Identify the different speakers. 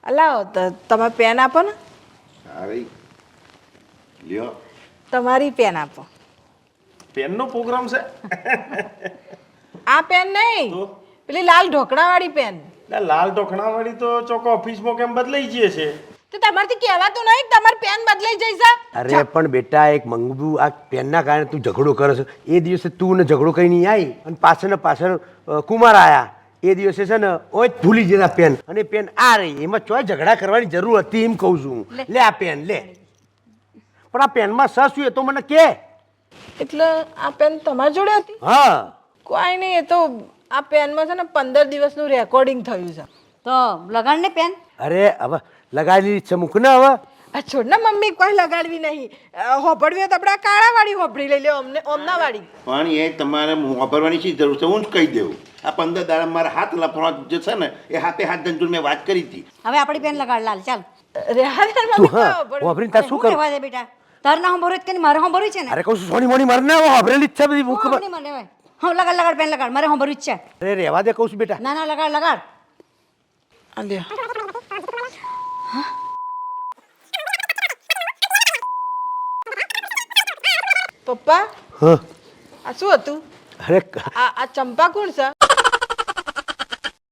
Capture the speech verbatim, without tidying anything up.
Speaker 1: અલાવો તો તમે પેન આપો ને.
Speaker 2: અરે લ્યો
Speaker 1: તમારી પેન આપો.
Speaker 3: પેનનો પ્રોગ્રામ છે?
Speaker 1: આ પેન નહીં, પેલી લાલ ઢોકળાવાળી પેન.
Speaker 3: એટલે લાલ ટોકણાવાળી તો ચોકો ઓફિસમાં કેમ બદલાઈ જઈએ છે.
Speaker 1: તો તમારથી કહેવાતું નહીં કે તમારી પેન બદલાઈ જઈ છે?
Speaker 4: અરે પણ બેટા એક મંગવું આ પેનના કારણે તું ઝઘડો કરે છે. એ દિવસે તું ને ઝઘડો કરીને આવી અને પાછળ ને પાછળ અ, કુમાર આયા એ દિવસે છે ને ઓય જ ભૂલી જતા પેન અને પેન આ રહી એમાં ચોય ઝઘડા કરવાની જરૂર હતી એમ કહું છું હું. લે આ પેન લે. પણ આ પેનમાં સસ શું એ તો મને કે.
Speaker 1: એટલે આ પેન તમારી જોડે હતી?
Speaker 4: હા
Speaker 1: કોઈ નહીં, એ તો આ પેનમાં છે ને પંદર દિવસનું રેકોર્ડિંગ થયું છે.
Speaker 5: તો લગાડ ને પેન.
Speaker 4: અરે હવે લગાવેલી છે મૂક ને હવે.
Speaker 1: આ છોડ ને મમ્મી, કોઈ લગાડવી નહીં. હોભળવી હોય તો આપણે આ કાળાવાળી હોભળી લઈ લે, અમને ઓમનાવાળી.
Speaker 2: પણ એ તમારે વાપરવાની શી જરૂર છે? હું જ કહી દઉં. આ પંદર દાડા મારા હાથ લફવા જે છે ને એ હાથે હાથ ધંધુ મેં વાત કરી હતી.
Speaker 5: હવે આપણી પેન લગાડ લાલ ચાલ.
Speaker 1: રેહાન
Speaker 4: તું
Speaker 1: મમ્મી
Speaker 4: હા
Speaker 1: હોભળ.
Speaker 4: વાપરીને તાર શું કર.
Speaker 5: રહેવા દે બેટા. તાર ના હું ભરું કે મારે હું ભરું છે ને.
Speaker 4: અરે કહું છું સોની મોની મરને વાપરેલી જ છે બધી મૂક.
Speaker 5: હું નહીં મને હવે. હું લગાડ લગાડ પેન લગાડ મારે હું ભરું છે.
Speaker 4: અરે રહેવા દે કહું છું બેટા.
Speaker 5: ના ના લગાડ લગાડ.
Speaker 1: આ લ્યો. પપ્પા,
Speaker 4: હા
Speaker 1: આ શું હતું?
Speaker 4: અરે
Speaker 1: આ આ ચંપા કોણ છે?